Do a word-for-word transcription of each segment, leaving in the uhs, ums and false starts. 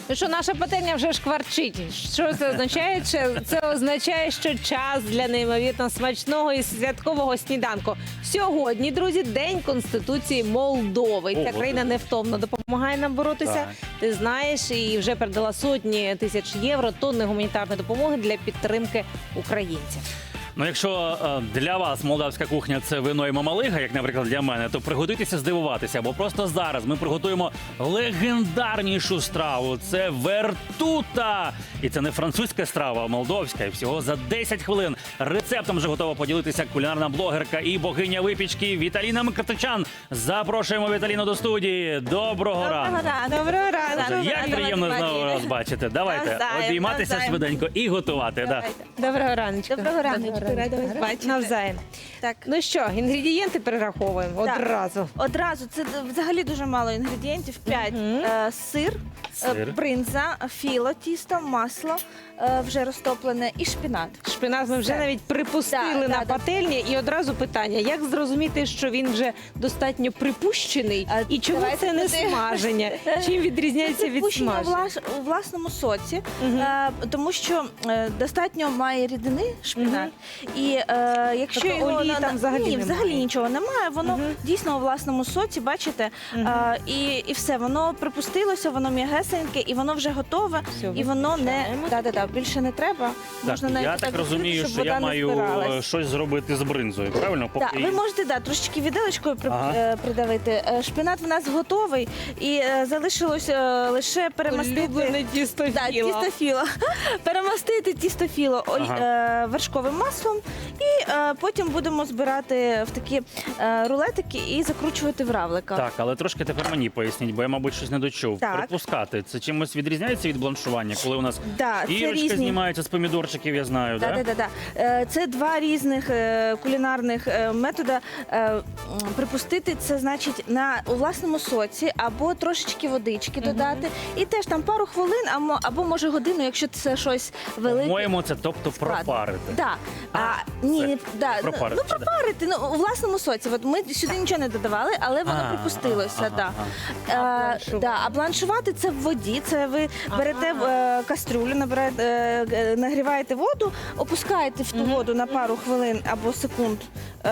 Ну що, наша пательня вже шкварчить. Що це означає? Це, це означає, що час для неймовірно смачного і святкового сніданку. Сьогодні, друзі, День Конституції Молдови. Ця Ого. країна невтомно допомагає нам боротися. Так. Ти знаєш, і вже передала сотні тисяч євро, тонни гуманітарної допомоги для підтримки українців. Ну, якщо е, для вас молдавська кухня – це вино і мамалига, як, наприклад, для мене, то приготуйтеся здивуватися, бо просто зараз ми приготуємо легендарнішу страву. Це вертута! І це не французька страва, а молдовська. І всього за десять хвилин рецептом вже готова поділитися кулінарна блогерка і богиня випічки Віталіна Мкртичан. Запрошуємо Віталіну до студії. Доброго ранку! Доброго ранку. Боже, як приємно знову вас бачити. Давайте Навзаєм, обійматися навзаєм. швиденько і готувати. Да. Доброго раночку. Доброго раночку, рада вас бачити. Навзаєм. Так. Ну що, інгредієнти перераховуємо Так. одразу. Одразу, це взагалі дуже мало інгредієнтів. П'ять. Е, сир, Сир. е, бринза, філо, тісто, масло е, вже розтоплене і шпінат. Шпинат ми вже Все. навіть припустили Да, на да, да. пательні. І одразу питання, як зрозуміти, що він вже достатньо припущений? А І чому давайте це не туди. смаження? Чим відрізняється від Припущення смаження? влас, у власному соці, Мгм. е, тому що е, достатньо має рідини шпінат. І е, якщо Тобто його олії на- там взагалі ні, немає? взагалі нічого немає, воно Мгм. дійсно у власному соці, бачите, Мгм. е, і, і все, воно припустилося, воно м'ягесеньке, і воно вже готове, Все, і воно не виключаємо. да, да, да, більше не треба. Можна Так, навіть я так відкрити, розумію, щоб що я вода не маю збиралась. е, щось зробити з бринзою, правильно? Так, ви можете да, трошечки віделочкою при, Ага. е, придавити. Е, Шпинат в нас готовий, і е, залишилось е, лише перемастити. Улюблене тісто Да, філа. тістофіло. Перемастити тістофіло оль- Ага. е, вершковим маслом, і е, потім будемо збирати в такі е, рулетики і закручувати в равлика. Так, але трошки тепер мені поясніть, бо я, мабуть, щось не дочув. Так. Припускати, це чимось відрізняється від бланшування, коли у нас Да, це ірочка різні. знімається з помідорчиків, я знаю, Да, так? да, да, да. Е, Це два різних е, кулінарних е, методи. Е, м, Припустити це значить на у власному соці або трошечки водички додати, і теж там пару хвилин, або, або може годину, якщо це щось велике. По-моєму, це тобто складно. пропарити. Да. А, А, ні, це не, да, не пропарити, ну, ну пропарити, ну, у власному соці. От ми сюди нічого не додавали, але воно А, припустилося. ага, да. ага. А Е, бланшувати? да, а бланшувати це в воді. Це ви Ага. берете е, кастрюлю, набираєте, е, е, нагріваєте воду, опускаєте в ту Мгм. воду на пару хвилин або секунд. Е,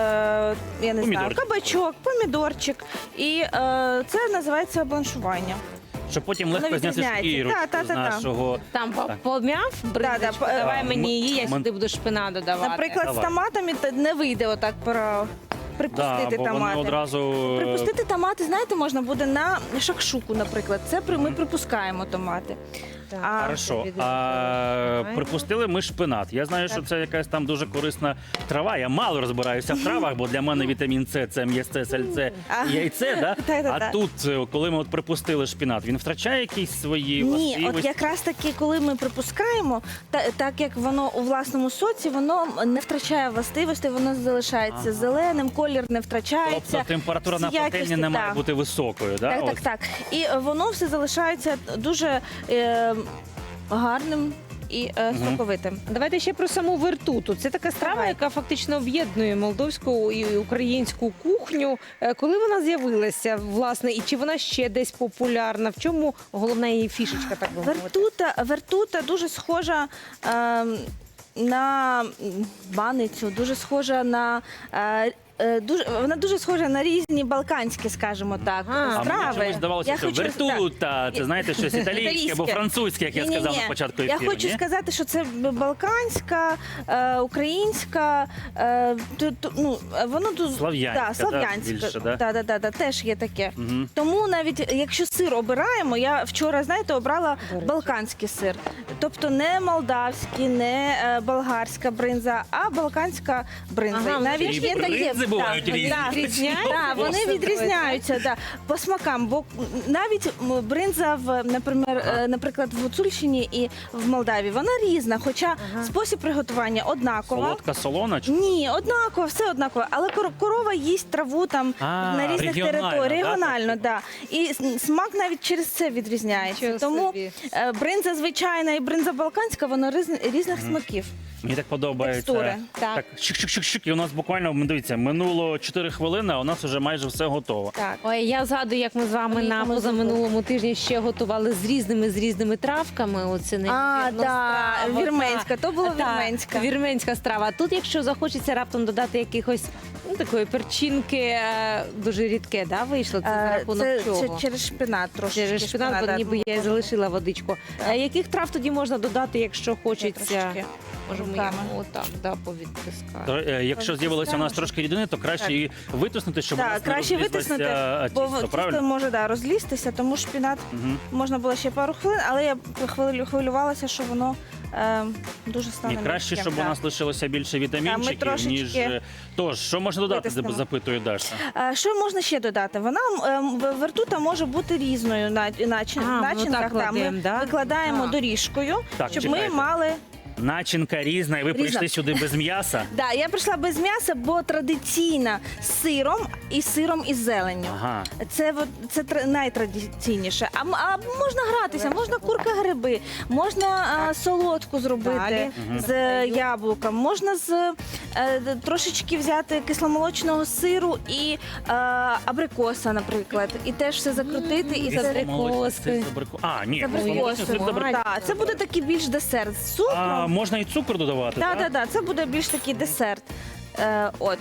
я не знаю, Помідорчик. кабачок, помідорчик. І е, це називається бланшування. Щоб потім легко Воно зняти відрізняється. шкірочку Та, та, з та, та. нашого... Там по- Так. пом'яв бринзочку? Да, да, Давай е, мені її, я ми- сюди буду шпинат додавати. Наприклад, Давай. з томатами та- не вийде отак про припустити Да, бо вони томати. одразу... е, Припустити томати, знаєте, можна буде на шакшуку, наприклад. Це при- ми припускаємо томати. Так. А, Хорошо. Собі А, додаваємо. припустили ми шпинат. Я знаю, що це якась там дуже корисна трава. Я мало розбираюся в травах, бо для мене вітамін С це м'ясце, сальце, А. і яйце. Да? Та-та-та. А тут, е, коли ми от припустили шпинат, він втрачає якісь свої Ні, властивості? от якраз таки, коли ми припускаємо, та, так як воно у власному соці, воно не втрачає властивості, воно залишається Ага. зеленим, колір не втрачається. Тобто температура на всі якості, пательні не має так. бути високою, да? Так, От. так, так. І е, воно все залишається дуже е, гарним і е, Мгм. соковитим. Давайте ще про саму вертуту. Це така страва, Давай. яка фактично об'єднує молдовську і українську кухню. Е, Коли вона з'явилася, власне, і чи вона ще десь популярна? В чому головна її фішечка, так би мовити? Вертута, вертута дуже схожа е, на баницю, дуже схожа на. Е, е, Дуже, вона дуже схожа на різні балканські, скажімо так, Ага. А мені страви. чомусь здавалося, Я що хочу- вертута, це знаєте, щось італійське або Італійське. французьке, як я сказав Ні-ні-ні. на початку Я ефіру. хочу ні? сказати, що це балканська, е, українська, е, ту- ту- ну, е, воно тут Слав'янська, да, да, слав'янська, більше, да? да, да, да, да, теж є таке. Мгм. Тому навіть якщо сир обираємо, я вчора, знаєте, обрала До речі. балканський сир. Тобто не молдавський, не е, балгарська бринза, а балканська бринза. Ага, І навіть і є такі бринзи бувають да, різні. да, Відрізняються? да, вони Особливо, відрізняються да, по смакам. Бо навіть м, бринза в, наприклад, Ага. е, наприклад, в Гуцульщині і в Молдавії, вона різна, хоча Ага. спосіб приготування однакова. Солодка солона? чи- Ні, однаково, все однаково. Але кор- корова їсть траву там А, на різних регіонально, територіях. да, Регіонально, так? да. І с- смак навіть через це відрізняється. Нічого Тому собі. е, бринза звичайна і бринза балканська, вона різ- різних смаків. Мені так подобається. Текстури. Так. Так, шик-шик-шик-шик. І у нас буквально, дивіться, минуло минуло чотири хвилини, а у нас вже майже все готово. Так. Ой, я згадую, як ми з вами Ой, на ми позаминулому тижні ще готували з різними з різними травками. Оце А, неймовірна да, страва, вірменська, то була та, вірменська. Вірменська страва. А тут, якщо захочеться раптом додати якихось ну, такої перчинки, е, дуже рідке, да, вийшло? Це за Е, рахунок Це, чого? це через шпинат трошки. Через шпинат, бо да, ніби я і залишила водичку. Е, Яких трав тоді можна додати, якщо хочеться? трошечки. Може, ми руками. його отак да, повідтискаємо. То, е, Якщо з'явилося у нас трошки рідини, то краще Так. її витиснути, щоб у Так, нас не краще розлізлося витиснути, бо тісто, тісто правильно? може да, розлізтися, тому шпинат Мгм. можна було ще пару хвилин, але я хвилю- хвилювалася, що воно е, дуже стане І краще, м'яким, щоб у так. нас лишилося більше вітамінчиків, трошечки ніж... е, Тож, що можна додати, витиснемо. запитує Даша? Е, Що можна ще додати? Вона ем, в- вертута може бути різною на начин, А, ну начинках. так да, кладемо, ми да? викладаємо А. доріжкою, Так, щоб чекайте. ми мали. Начинка різна, і ви Різна. прийшли сюди без м'яса? Да, я прийшла без м'яса, бо традиційна з сиром і сиром із зеленню. Ага. Це от- це тр- найтрадиційніше. А, м- а можна гратися, можна курка гриби, можна а, солодку зробити Далі. Мгм. з е, яблуком, можна з е, д- трошечки взяти кисломолочного сиру і е, абрикоса, наприклад, і теж все закрутити і З за абрикоси. Це з абрико- А, ні, з кисломолочний абрикосом. сир з абрикосом. Так, це буде такий більш десерт з А цукром. можна і цукор додавати, Так, так? так, так, це буде більш такий десерт. Е, от.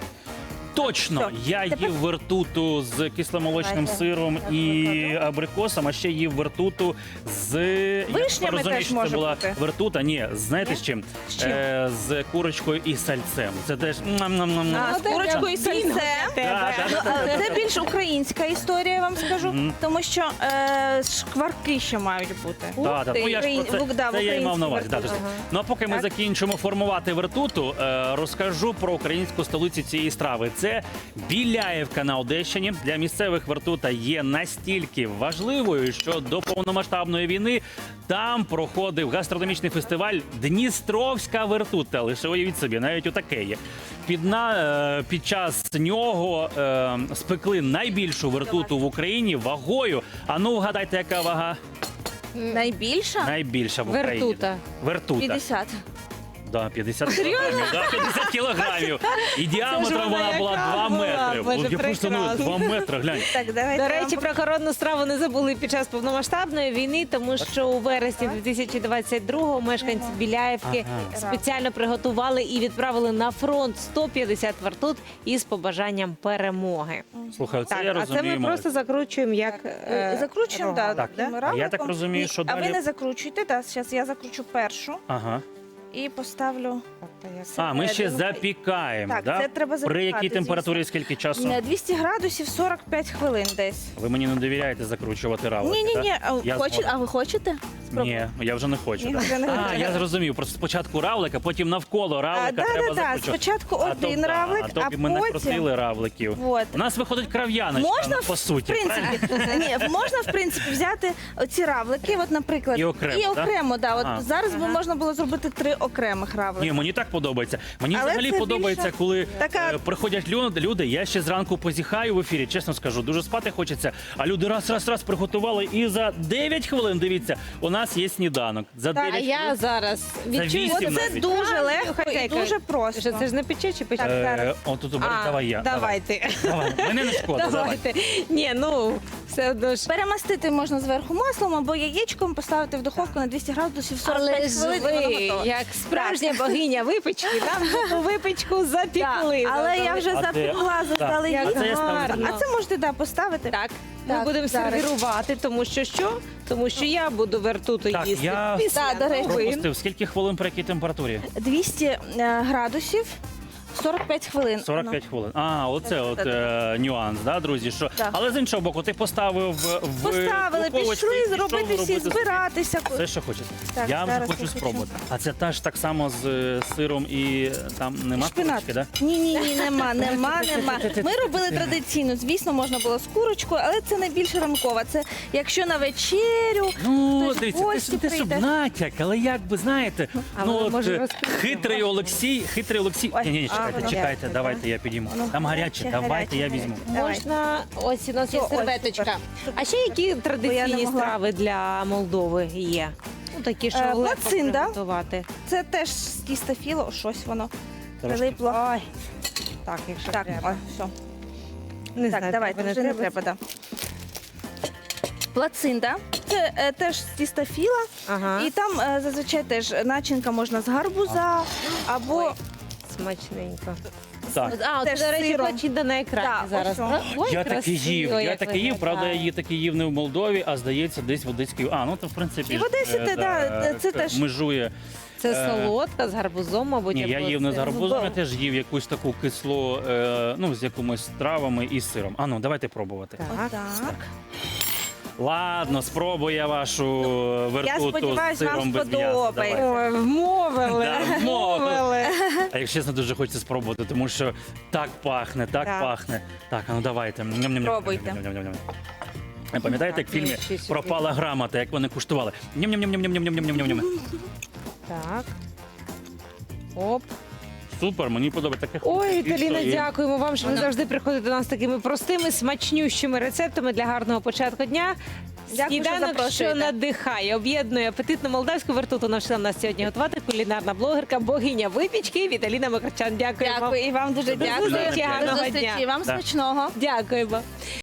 Точно, Все. я Тепер- їв вертуту з кисломолочним Давайте. сиром Я і покладу. абрикосом, а ще їв вертуту з... Я Вишнями розумію, теж що це може була бути. вертута, ні, знаєте Ні? з чим? З чим? Е, з курочкою і сальцем. Це теж... ням-ням-ням-ням. А, з Ну, курочкою і так, сальцем. Да, да, Ну, да, а це більш українська історія, я вам скажу, Мгм. тому що е, шкварки ще мають бути. Да, да. Ну, я ж про це, Україн- да, в це я і мав на увазі. українській Да, вертуті. друзі. Ну а поки ми Так. закінчимо формувати вертуту, е, розкажу про українську столицю цієї страви. Це Біляєвка на Одещині. Для місцевих вертута є настільки важливою, що до повномасштабної війни там проходив гастрономічний фестиваль Дністровська вертута. Лише уявіть собі, навіть отаке є. Під, на, е, під час нього е, спекли найбільшу вертуту в Україні вагою. А ну вгадайте, яка вага? Найбільша? Найбільша в Україні. Вертута. Вертута. п'ятдесят. Да, п'ятдесят кілограмів. Да, п'ятдесят кілограмів. І діаметром вона вона була яка два була, метри. Боже, От я просто ну, прекрасно. два метри, глянь. Так, давайте. До я речі, вам про коронну страву не забули під час повномасштабної війни, тому що у вересні дві тисячі двадцять другого мешканці Біляєвки Ага. спеціально приготували і відправили на фронт сто п'ятдесят вертут із побажанням перемоги. Слухай, це Так, я а це розумію. ми просто закручуємо як Е, е, Закручуємо, рога. да, Так. таким А я так равликом. розумію, Ні, що А ви далі- не закручуйте, так, зараз я закручу першу Ага. і поставлю. А, ми ще Середину. запікаємо, Так, да? це треба При якій запікати, температурі, звісно. скільки часу? На двісті градусів сорок п'ять хвилин десь. Ви мені не довіряєте закручувати равлики, Ні, ні, да? ні. Я Хочете, згоден. а ви хочете? Ні, я вже не хочу. Ні, да. вже не А, хочу. я зрозумів. Просто спочатку равлика, потім навколо А, равлика да, треба да, да. закручувати. Спочатку А то, один да, равлик, а то а б ми не потім- просили равликів. Вот. У нас виходить крав'яночка, Можна, по суті. в принципі, ні, можна в принципі взяти оці равлики, от, наприклад, І окремо, і да? окремо, да. От А. зараз би можна було зробити три окремих равлики. Ні, мені так подобається. Мені Але взагалі це подобається, більше коли така- е, приходять люди, люди. Я ще зранку позіхаю в ефірі, чесно скажу, дуже спати хочеться. А люди раз, раз, раз приготували, і за дев'ять хвилин, дивіться, у нас є сніданок. За Так, а дев'ять я хвилин. зараз відчую. вісім Оце навіть. дуже легко і Хазяйка. дуже просто. Що це ж не пече чи пече? Так, Е, зараз. О, тут оберіть, А, давай я. Давайте. Давай. Мене не шкода, давай. Давайте. Ні, ну все одно ж. Перемастити можна зверху маслом або яєчком, поставити в духовку на двісті градусів сорок Але п'ять ж хвилин, і воно ви, готово. як справжня богиня випічки, нам ту випічку запікли. Так, але я вже А де- запекла Так. заздалегідь. А це я ставлю. гарно. А це можете да, поставити. Так, ми Так, будемо зараз. сервірувати, тому що що? Тому що я буду вертуту Так, їсти. я після Так, до речі. новин. Пропустив. Скільки хвилин при якій температурі? двісті е, градусів, сорок п'ять хвилин. сорок п'ять хвилин. А, оце от Так. е, нюанс, да, друзі? Що? Так. Але з іншого боку, ти поставив в Поставили, духовочці, пішли пішов зробити всі, робити збиратися. Все, що хочеш. Так, я вже зараз хочу я хочу. спробувати. А це теж так само з е, сиром і е, там нема Шпинат. курочки, да? Ні, ні, ні, нема, нема, нема. Ми робили традиційно. Звісно, можна було з курочкою, але це найбільш ранкова. Це якщо на вечерю. Ну, Хтось в дивіться, гості це, це щоб прийде. натяк, але як би, знаєте, А ну воно от може е, розкрити. хитрий Олексій, хитрий Олексій. Ой, Ні, ні, ні, а, чекайте, воно чекайте, гаряче, давайте я підійму. Воно Там гаряче, гаряче, давайте я гаряче. візьму. Давай. Можна, ось у нас є О, ось, серветочка. супер. А ще які Бо я традиційні не могла. страви для Молдови є? Ну, такі, що Е, легко плацинда. приготувати. Це теж з тіста філо, щось воно Трошки. прилипло. Ой. Так, якщо Так, треба. о, все. Не Так, знаю, давайте, треба, вже не треба, да. Плацинта. Це е, теж з тіста філа. Ага. І там е, зазвичай теж начинка можна з гарбуза або Ой. Смачненько. Так. А, Теж це, до речі, сиром. плачинта на екрані Так, зараз. ось о. Ой, Я таки красиво, їв, я як таки їв, правда, я виглядає. її таки їв не в Молдові, а здається, десь в Одеській. А, ну то в принципі. І в Одесі ж, те, е, да, це к- теж- межує. Це Е, солодка з гарбузом, мабуть. Ні, я або їв не з це- гарбузом, я теж їв якусь таку кислу, е, ну, з якимось травами і сиром. А ну, давайте пробувати. Так. отак. Ладно, спробую я вашу вертуту з сподіваюсь, вам сиром без м'яса. сподобається. Давайте. Ой, вмовили. Да, вмовили. вмовили. А якщо чесно, дуже хочеться спробувати, тому що так пахне, так, Так. пахне. Так, а ну давайте. Ням-ням-ням. Пробуйте. Ням-ням-ням. А пам'ятаєте, як в Так, фільмі ну, ще сюди. пропала грамота, як вони куштували? Ням-ням-ням-ням-ням-ням-ням-ням. Так. Оп. Супер, мені подобається таке. Ой, І Віталіна, що, і- дякуємо вам, що ви завжди приходите до нас з такими простими, смачнющими рецептами для гарного початку дня. Дякую, що Сніданок, що запрошуєте. надихає, об'єднує апетитну молдавську вертуту. Навчила нас сьогодні готувати кулінарна блогерка, богиня випічки Віталіна Макарчан. Дякую вам. Дякую, і вам дуже До дякую. зустрічі, До гарного зустрічі. дня. Вам Так. смачного. Дякуємо.